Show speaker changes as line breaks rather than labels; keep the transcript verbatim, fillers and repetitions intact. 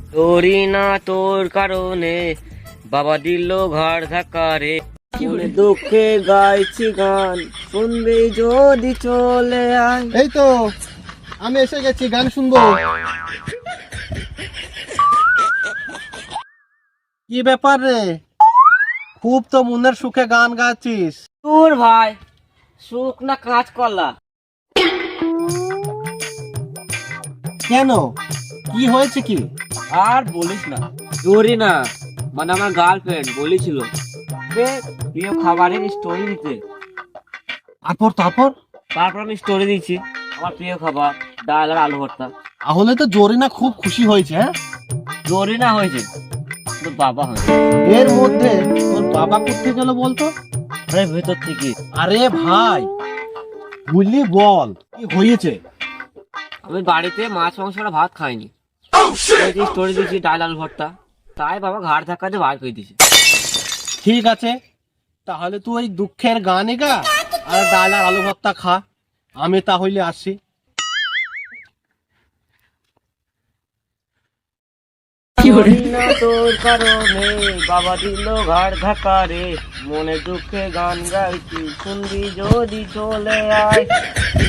তোরই না তোর কারণে বাবা দিল ঘাড় ধাক্কা রে। মনে দুঃখে গাইছি গান, শুনবি যদি চলে আয়।
এই তো আমি এসে গেছি, গান শুনবো। কি ব্যাপার রে, খুব তো মনের সুখে গান গাচ্ছিস।
তোর ভাই সুখ না কাজ করলা।
কেন, কি হয়েছে কি?
আর বলিস না, তোরই না মানে আমার গার্লফ্রেন্ড বলেছিল যে প্রিয় খাবারের স্টোরি দিতে।
তারপর তারপর
তারপর আমি স্টোরি দিচ্ছি আমার প্রিয় খাবার ডাল আর আলু ভর্তা।
তাহলে তো জরিনা খুব খুশি হয়েছে। হ্যাঁ,
জোরই না হয়েছে তো বাবা হয়েছে।
এর মধ্যে তোর বাবা করতে গেল বলতো?
আরে ভেতর থেকে।
আরে ভাই, বুঝলি বল কি হয়েছে?
আমি বাড়িতে মাছ মাংসটা ভাত খাইনি, স্টোরি দিচ্ছি ডাল আলু ভর্তা, তাই বাবা ঘাড় ধাক্কা দিয়ে বার করে দিয়েছে।
ঠিক আছে, তাহলে তুই ওই দুঃখের গানে গা আর ডাল আর আলু ভর্তা খা, আমি তাহলে আসি।
তোরই না তোর কারণে বাবা দিল ঘাড় ধাক্কা রে, মনে দুঃখে গান গাইছি শুনবি যদি চলে আয়।